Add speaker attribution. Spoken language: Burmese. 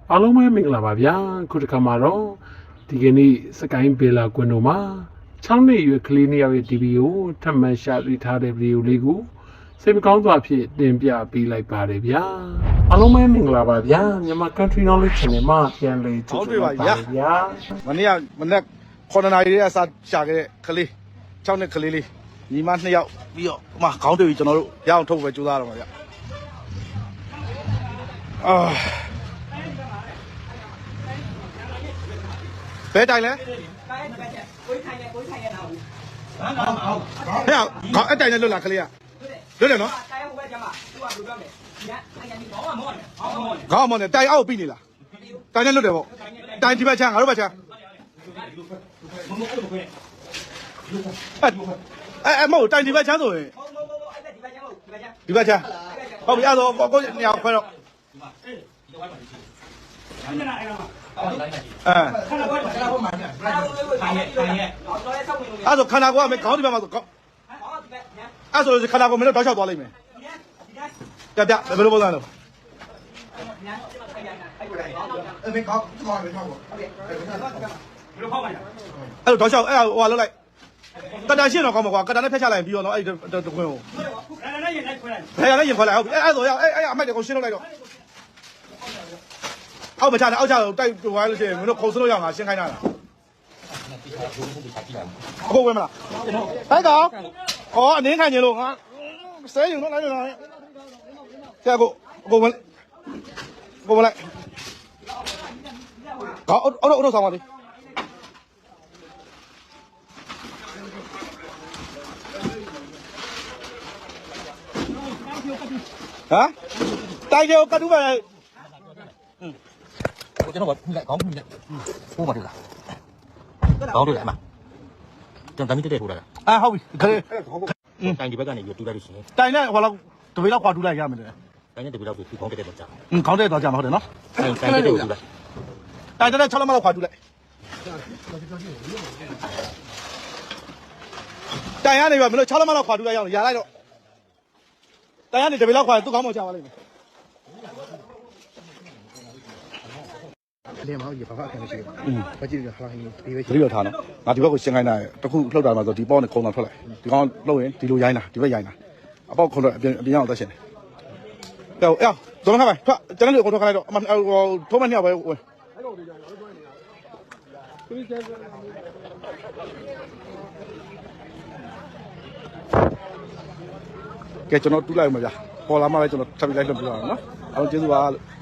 Speaker 1: အားလုံးပဲမင်္ဂလာပါဗျာခုတစ်ခါမှာတော့ဒီကနေ့စကိုင်းဘေလာကွန်းတို့မှာ6နှစ်အရွယ်ကလေးနှစ်ယောက်ရဲ့ TV ကိုထပ်မံရှာတွေ့ထားတဲ့ဗီဒီယိုလေးကိုစိတ်မကောင်းစွာဖြင့်တင်ပြပေးလိုက်ပါတယ်ဗျာအားလုံးပဲမင်္ဂလာပါဗျာမြန်မာ Country Knowledge Channel မှာပြန်လည်ကြိုဆိုပါဗျာ
Speaker 2: မနေ့9နာရီတည်းကစရှာခဲ့တဲ့ကလေး6နှစ်ကလေးလေးညီမ2ယောက်ပြီးတော့ဟိုမှာခေါင်းတွေ့ပြီးကျွန်တော်တို့ရအောင်ထုတ်ပဲကြိုးစားတော့မှာဗျဘယ်တိုင်လဲကိုထိုင်ရတော့ဟဲ့ခေါင်းအတိုင်နဲ့လွတ်လာကလေးကလွတ်တယ်နော်တိုင်ဟိုဘက်ကျမသူကဘယ်လိုပြောမလဲဒီကခေါင်းမောင်းတယ်တိုင်အောက်ပြီးနေလားတိုင်နဲ့လွတ်တယ်ပေါ့တိုင်ဒီဘက်ချမ်းငါတို့ဘက်ချမ်းမဟုတ်တိုင်ဒီဘက်ချမ်းဆိုရင်ဒီဘက်ချမ်းဟုတ်ပြီအဲ့တော့ကိုညောင်ခွဲတော့အဲ့ဆိုခန္ဓာကိုယ်ကမခေါင်းဒီဘက်မှာဆိုအဲ့ဆိုခန္ဓာကိုယ်မင်းတို့တောက်လျှောက်သွားလိမ့်မယ်ပြဘယ်လိုပုံစံလဲမင်းခေါင်းဒီမှာမင်းခေါင်းပေါ့ဘယ်လိုဖောက်မှလဲအဲ့လိုတောက်လျှောက်အဲ့ဟိုလောက်လိုက်ကတာရှင်းတော့ကောင်းမှာကွာကတာနဲ့ဖျက်ချလိုက်ပြီးတော့နော်အဲ့တခွင်းကိုကတာနဲ့ရင်လိုက်ခွဲလိုက်ဘယ်ရလဲရင်ခွဲလိုက်ဟုတ်ပြီအဲ့ဆိုအဲ့အမိုက်တွေကိုရှင်းလုပ်လိုက်တော့အောက်မချနဲ့အောက်ချတိုက်ဝိုင်းလို့ရှိရင်မင်းတို့ခုံစလို့ရမှာရှင်းခိုင်းတာလားအခုဝဲမလားဟဲ့ကောင်ဩအနင်းခံခြင်းလို့ငါဆဲယူတော့လိုက်တော့ဆဲကိုဝင်လိုက်ကောအော်ဆောင်ပါလေဟမ်တိုက်တယ်ကတူပါလေ
Speaker 3: ကျွန်တော်ကဖိလိုက်ခေါင်းဖိလိုက်ပိုးမတွေ့လားခေါင်းတွေ့လားအမကျွန်တော်တမီးတက်ထိုးလာတာ
Speaker 2: ဟုတ်ပြီခလေး
Speaker 3: တိုင်ဒီဘက်ကနေပြီးတူလိုက်လို့ရှိရင်
Speaker 2: တိုင်နဲ့ဟိုလောက်တပိလောက်ခွာတူလိုက်ရမယ်လေ
Speaker 3: တိုင်နဲ့တပီလောက်ပြီးခေါင်းတက်တော့ကြာ
Speaker 2: ခေါင်းတက်တော့ကြာမှာဟုတ်တယ်နော်
Speaker 3: တိုင်တက်တူလိုက်
Speaker 2: တိုင်တဲ့6လောက်ခွာတူလိုက်တိုင်ရနေပြီမင်းတို့6လောက်ခွာတူလိုက်ရအောင်ရလိုက်တော့တိုင်ရနေတပိလောက်ခွာသူ့ခေါင်းပေါ်ကြာပါလိမ့်မယ်
Speaker 4: 连毛一把发看的是，我记得好像有
Speaker 2: ဒီလိုထားနော်ငါဒီဘက်ကိုရှင်းခိုင်းတာတခုလှုပ်တာမှာဆိုဒီပေါက်နဲ့ခုံတာထွက်လိုက်ဒီကောင်လှုပ်ရင်ဒီလိုရိုင်းတာဒီဘက်ရိုင်းတာအပေါက်ခုံတော့အပြင်အောင်သက်ရှင်တယ်ကြောက်တော်ခါပဲထွက်ကျွန်တော်တို့ကိုထွက်ခိုင်းလိုက်တော့အမထိုးမနှစ်ယောက်ပဲဝင်ကဲကျွန်တော်တူးလိုက်မှာဗျာပေါ်လာမှလည်းကျွန်တော်ထပ်ပြီးလိုက်လွှတ်ပြရအောင်နော်အားလုံးကျေးဇူးပါလို့